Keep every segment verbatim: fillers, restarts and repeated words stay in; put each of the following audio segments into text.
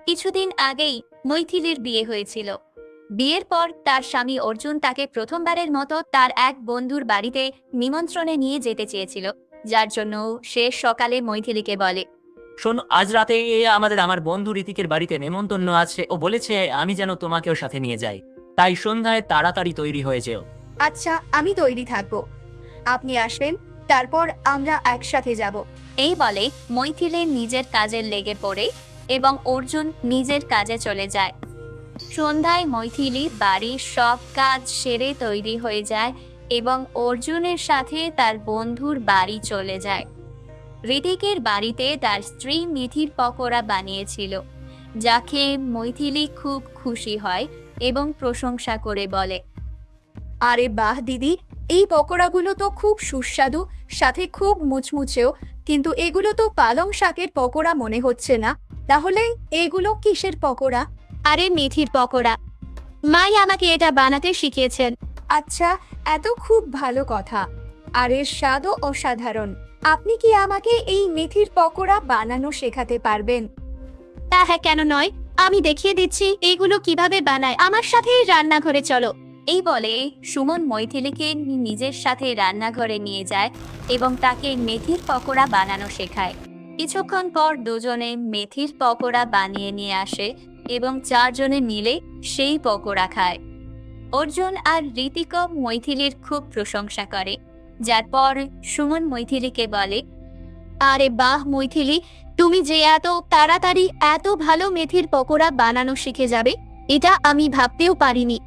কিছুদিন আগেই মৈথিলীর বিয়ে হয়েছিল। বিয়ের পর তার স্বামী অর্জুন তাকে প্রথমবারের মতো তার এক বন্ধুর বাড়িতে নিমন্ত্রণে নিয়ে যেতে চেয়েছিল, যার জন্য সে সকালে মৈথিলীকে বলে, শোন, আজ রাতে আমাদের আমার বন্ধু ঋতিকের বাড়িতে নেমন্তন্ন আছে। ও বলেছে আমি যেন তোমাকেও সাথে নিয়ে যাই, তাই সন্ধ্যায় তাড়াতাড়ি তৈরি হয়ে যেও। আচ্ছা, আমি তৈরি থাকবো। আপনি আসবেন, তারপর আমরা একসাথে যাব। এই বলে মৈথিলী নিজের কাজে লেগে পড়ে এবং অর্জুন নিজের কাজে চলে যায়। সন্ধ্যায় মৈথিলী বাড়ির সব কাজ সেরে তৈরি হয়ে যায় এবং অর্জুনের সাথে তার বন্ধুর বাড়ি চলে যায়। ঋতিকের বাড়িতে তার স্ত্রী মিথির পকোড়া বানিয়েছিল, যাকে মৈথিলী খুব খুশি হয় এবং প্রশংসা করে বলে, আরে বাহ দিদি, এই পকোড়াগুলো তো খুব সুস্বাদু, সাথে খুব মুচমুচেও। কিন্তু এগুলো তো পালং শাকের পকোড়া মনে হচ্ছে না। তাহলে এগুলো কিসের পকোড়া? আরে মেথির পকোড়া, মাই আমাকে এটা বানাতে শিখিয়েছেন। আচ্ছা, এত খুব ভালো কথা। আর এর স্বাদও অসাধারণ। আপনি কি আমাকে এই মেথির পকোড়া বানানো শেখাতে পারবেন? তা হ্যাঁ, কেন নয়, আমি দেখিয়ে দিচ্ছি এগুলো কিভাবে বানায়। আমার সাথে রান্নাঘরে চলো। এই বলে সুমন মৈথিলীকে নিজের সাথে রান্নাঘরে নিয়ে যায় এবং তাকে মেথির পকোড়া বানানো শেখায়। কিছুক্ষণ পর দুজনে মেথির পকোড়া বানিয়ে নিয়ে আসে এবং চারজনে মিলে সেই পকোড়া খায়। অর্জুন আর ঋতিক মৈথিলীর খুব প্রশংসা করে, যার পর সুমন মৈথিলীকে বলে, আরে বাহ মৈথিলী, তুমি যে এত তাড়াতাড়ি এত ভালো মেথির পকোড়া বানানো শিখে যাবে, এটা আমি ভাবতেও পারিনি।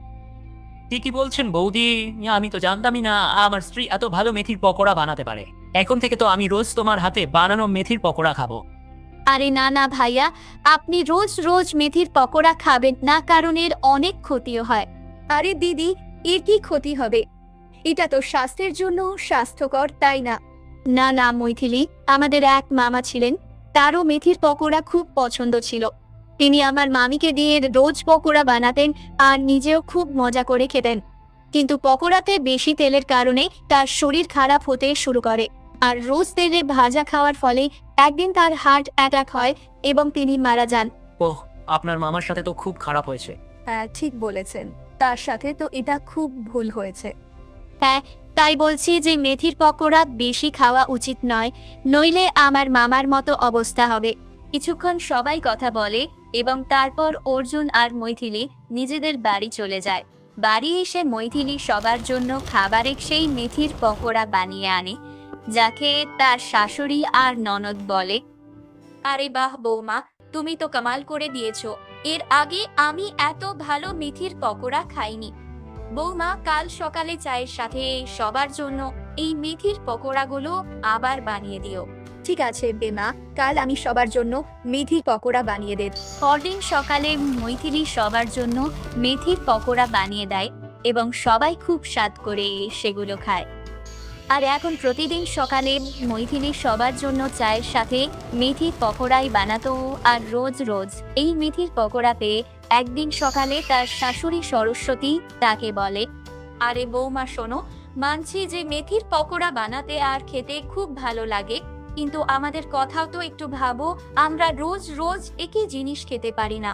ঠিকই বলছেন বৌদি, আমি তো জানতামই না আমার স্ত্রী এত ভালো মেথির পকোড়া বানাতে পারে। এখন থেকে তো আমি রোজ তোমার হাতে বানানো মেথির পকোড়া খাবো। আরে না না ভাইয়া, আপনি রোজ রোজ মেথির পকোড়া খাবেন না, কারণ এর অনেক ক্ষতিও হয়। আরে দিদি, এর কি ক্ষতি হবে? এটা তো স্বাস্থ্যের জন্য স্বাস্থ্যকর, তাই না? না না মৈথিলী, আমাদের এক মামা ছিলেন, তারও মেথির পকোড়া খুব পছন্দ ছিল। তিনি আমার মামিকে দিয়ে রোজ পকোড়া বানাতেন আর নিজেও খুব মজা করে খেতেন। কিন্তু পকোড়াতে বেশি তেলের কারণে তার শরীর খারাপ হতে শুরু করে, আর রোজ তেলে ভাজা খাওয়ার ফলে একদিন তার হার্ট অ্যাটাক হয় এবং তিনি মারা যান। ওহ, আপনার মামার সাথে তো খুব খারাপ হয়েছে। হ্যাঁ, ঠিক বলেছেন। তার সাথে তো এটা খুব ভুল হয়েছে। হ্যাঁ, তাই বলছি যে মেথির পকোড়া বেশি খাওয়া উচিত নয়, নইলে আমার মামার মতো অবস্থা হবে। কিছুক্ষণ সবাই কথা বলে এবং তারপর অর্জুন আর মৈথিলী নিজেদের বাড়ি চলে যায়। বাড়ি এসে মৈথিলী সবার জন্য খাবারে সেই মেথির পকোড়া বানিয়ে আনে, যাকে তার শাশুড়ি আর ননদ বলে, আরে বাহ বৌমা, তুমি তো কামাল করে দিয়েছো। এর আগে আমি এত ভালো মেথির পকোড়া খাইনি। বৌমা, কাল সকালে চায়ের সাথে সবার জন্য এই মেথির পকোড়াগুলো আবার বানিয়ে দিও। ঠিক আছে বেমা, কাল আমি সবার জন্য মেথির পকোড়া বানিয়ে দেব। পরদিন সকালে মৈথিলী সবার জন্য মেথির পকোড়া বানিয়ে দেয় এবং সবাই খুব স্বাদ করে সেগুলো খায়। আর এখন প্রতিদিন সকালে মৈথিলী সবার জন্য চায়ের সাথে মেথির পকোড়াই বানাতো। আর রোজ রোজ এই মেথির পকোড়া পেয়ে একদিন সকালে তার শাশুড়ি সরস্বতী তাকে বলে, আরে বৌমা শোনো, মানছি যে মেথির পকোড়া বানাতে আর খেতে খুব ভালো লাগে, কিন্তু আমাদের কথাও তো একটু ভাবো, আমরা রোজ রোজ একই জিনিস খেতে পারি না।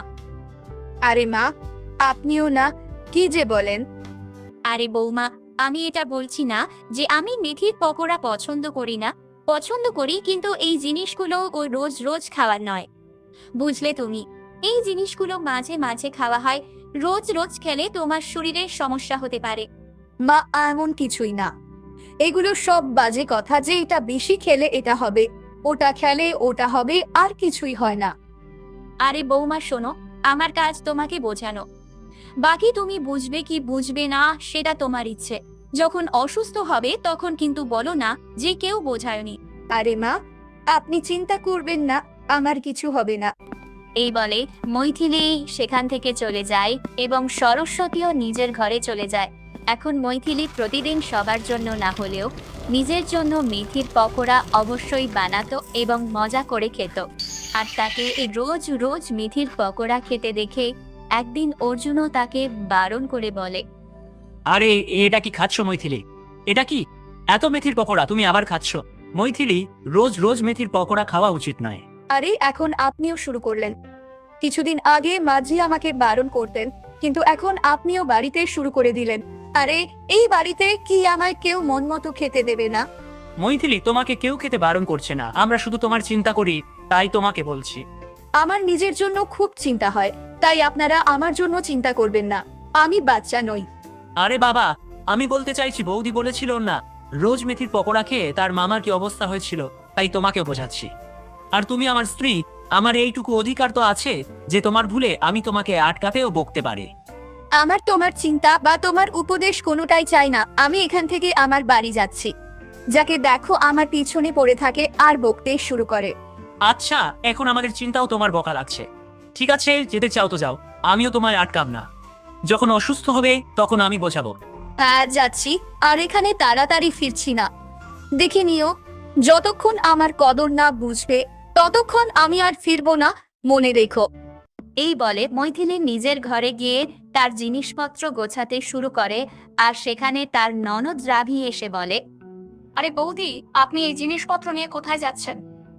আরে মা, আপনিও না, কি যে বলেন। আরে বৌমা, আমি এটা বলছি না যে আমি মেথির পকোড়া পছন্দ করি না, পছন্দ করি, কিন্তু এই জিনিসগুলো ওই রোজ রোজ খাওয়ার নয়, বুঝলে তুমি? এই জিনিসগুলো মাঝে মাঝে খাওয়া হয়, রোজ রোজ খেলে তোমার শরীরের সমস্যা হতে পারে। মা, এমন কিছুই না। এগুলো সব বাজে কথা যে এটা বেশি খেলে এটা হবে, ওটা খেলে ওটা হবে, আর কিছুই হয় না। আরে বৌমা শোনো, আমার কাজ তোমাকে বোঝানো, বাকি তুমি বুঝবে কি বুঝবে না সেটা তোমার ইচ্ছে। যখন অসুস্থ হবে তখন কিন্তু বলো না যে কেউ বোঝায়নি। আরে মা, আপনি চিন্তা করবেন না, আমার কিছু হবে না। এই বলে মৈথিলী সেখান থেকে চলে যায় এবং সরস্বতীও নিজের ঘরে চলে যায়। এখন মৈথিলী প্রতিদিন সবার জন্য না হলেও নিজের জন্য মেথির পকোড়া অবশ্যই বানাতো এবং মজা করে খেত। আর তাকে এই রোজ রোজ মেথির পকোড়া খেতে দেখে একদিন অর্জুনও তাকে বারণ করে বলে, আরে এটা কি খাচ্ছ মৈথিলী? এটা কি এত মেথির পকোড়া তুমি আবার খাচ্ছ? মৈথিলী, রোজ রোজ মেথির পকোড়া খাওয়া উচিত নয়। আরে এখন আপনিও শুরু করলেন। কিছুদিন আগে মাঝি আমাকে বারণ করতেন, কিন্তু এখন আপনিও বাড়িতে শুরু করে দিলেন। আরে এই বাড়িতে কি আমায় কেউ মন মতো খেতে দেবে না? মৈথিলি, তোমাকে কেউ খেতে বারণ করছে না, আমরা শুধু তোমার চিন্তা করি, তাই তোমাকে বলছি। আমার নিজের জন্য খুব চিন্তা হয়, তাই আপনারা আমার জন্য চিন্তা করবেন না। আমি বাচ্চা নই। আরে বাবা, আমি বলতে চাইছি বৌদি বলেছিল না রোজ মেথির পকোড়া খেয়ে তার মামার কি অবস্থা হয়েছিল, তাই তোমাকেও বোঝাচ্ছি। আর তুমি আমার স্ত্রী, আমার এইটুকু অধিকার তো আছে যে তোমার ভুলে আমি তোমাকে আটকাতেও বকতে পারি। আমার তোমার চিন্তা বা তোমার উপদেশ কোনোটাই চাই না। আমি এখান থেকে আমার বাড়ি যাচ্ছি। যাকে দেখো আমার পিছনে পড়ে থাকে আর বকতে শুরু করে। আচ্ছা, এখন আমাদের চিন্তাও তোমার বকা লাগছে। ঠিক আছে, যেতে চাও তো যাও, আমিও তোমায় আটকাব না। যখন অসুস্থ হবে তখন আমি বোঝাবো। হ্যাঁ যাচ্ছি, আর এখানে তাড়াতাড়ি ফিরছি না। দেখে নিও, যতক্ষণ আমার কদর না বুঝবে ততক্ষণ আমি আর ফিরবো না, মনে রেখো। এই বলে মৈথিলি নিজের ঘরে গিয়ে তার জিনিসপত্র গোছাতে শুরু করে। আর সেখানে তার ননদ রাভি এসে বলে, আরে বৌদি, আপনি এই জিনিসপত্র নিয়ে কোথায় যাচ্ছেন?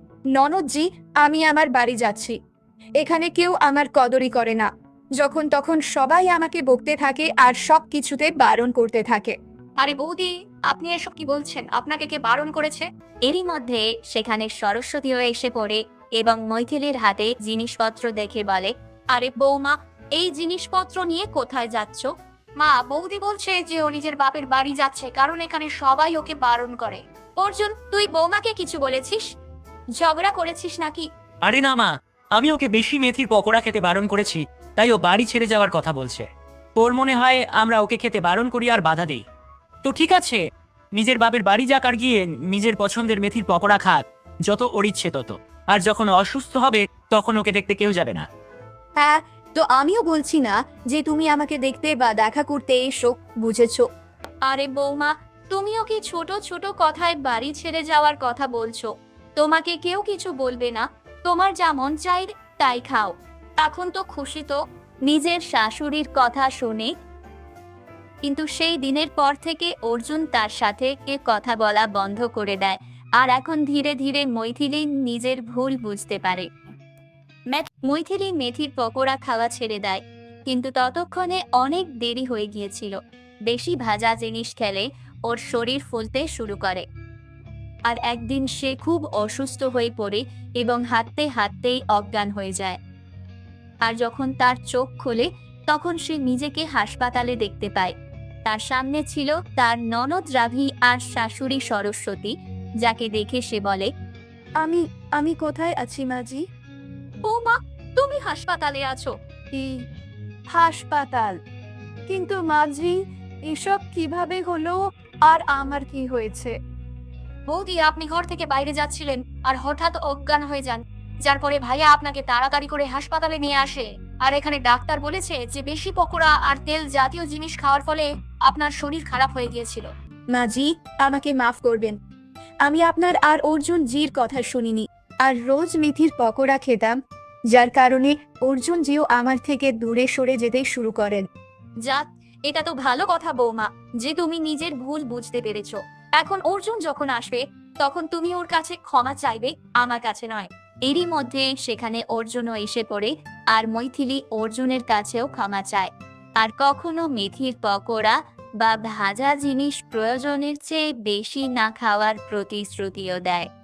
ননদজি, আমি আমার বাড়ি যাচ্ছি। এখানে কেউ আমার কদরই করে না। যখন তখন সবাই আমাকে বকতে থাকে আর সব কিছুতে বারণ করতে থাকে। আরে বৌদি, আপনি এসব কি বলছেন? আপনাকে কে বারণ করেছে? এরই মধ্যে সেখানে সরস্বতীও এসে পড়ে এবং মৈথিলির হাতে জিনিসপত্র দেখে বলে, আরে বৌমা, এই জিনিসপত্র নিয়ে কোথায় যাচ্ছ? মা, বৌদি বলছে যে ও নিজের বাপের বাড়ি যাচ্ছে, কারণ এখানে সবাই ওকে বারণ করে। অর্জুন, তুই বৌমাকে কিছু বলেছিস? ঝগড়া করেছিস নাকি? আরে না মা, আমি ওকে বেশি মেথির পকোড়া খেতে বারণ করেছি, তাই ও বাড়ি ছেড়ে যাওয়ার কথা বলছে। ওর মনে হয় আমরা ওকে খেতে বারণ করি আর বাধা দেই। তো ঠিক আছে, নিজের বাপের বাড়ি যাক আর গিয়ে নিজের পছন্দের মেথির পকোড়া খাক, যত ওর ইচ্ছে তত। আর যখন অসুস্থ হবে তখন ওকে দেখতে কেউ যাবে না। হ্যাঁ, তো আমিও বলছি না যে তুমি আমাকে দেখতে বা দেখা করতে এসো, বুঝেছো? আরে বৌমা, তুমিও কি ছোট ছোট কথায় বাড়ি ছেড়ে যাওয়ার কথা বলছো? তোমাকে কেউ কিছু বলবে না, তোমার যা মন চাই তাই খাও। এখন তো খুশি তো? নিজের শাশুড়ির কথা শুনে। কিন্তু সেই দিনের পর থেকে অর্জুন তার সাথে কে কথা বলা বন্ধ করে দেয়। আর এখন ধীরে ধীরে মৈথিলি নিজের ভুল বুঝতে পারে। ম্যাথ- মৈথিলি মেথির পকোড়া খাওয়া ছেড়ে দেয়, কিন্তু ততক্ষণে অনেক দেরি হয়ে গিয়েছিল। বেশি ভাজা জিনিস খেলে ওর শরীর ফুলতে শুরু করে। আর একদিন সে খুব অসুস্থ হয়ে পড়ে এবং হাঁটতে হাঁটতেই অজ্ঞান হয়ে যায়। আর যখন তার চোখ খোলে তখন সে নিজেকে হাসপাতালে দেখতে পায়। তার সামনে ছিল তার ননদ রাভি আর শাশুড়ি সরস্বতী, যাকে দেখে সে বলে, আমি আমি কোথায় আছি মাজি? বৌমা, তুমি হাসপাতালে আছো? কি হাসপাতাল? কিন্তু মাঝি, এসব কিভাবে হলো? আর আমার কি হয়েছে? বৌদি, আপনি ঘর থেকে বাইরে যাচ্ছিলেন আর হঠাৎ অজ্ঞান হয়ে যান, যার পরে ভাইয়া আপনাকে তাড়াতাড়ি করে হাসপাতালে নিয়ে আসে। আর এখানে ডাক্তার বলেছে যে বেশি পকোড়া আর তেল জাতীয় জিনিস খাওয়ার ফলে আপনার শরীর খারাপ হয়ে গিয়েছিল। মাজি, আমাকে মাফ করবেন। আমি আপনার আর অর্জুন জির কথা শুনিনি, আর রোজ মেথির পকোড়া খেতাম, যার কারণে অর্জুন জিও আমার থেকে দূরে সরে যেতে শুরু করেন। যাক, এটা তো ভালো কথা বৌমা যে তুমি নিজের ভুল বুঝতে পেরেছো। এখন অর্জুন যখন আসবে তখন তুমি ওর কাছে ক্ষমা চাইবে, আমার কাছে নয়। এরই মধ্যে সেখানে অর্জুনও এসে পড়ে আর মৈথিলি অর্জুনের কাছেও ক্ষমা চায়। আর কখনো মেথির পকোড়া বা ভাজা জিনিস প্রয়োজনের চেয়ে বেশি না খাওয়ার প্রতিশ্রুতিও দেয়।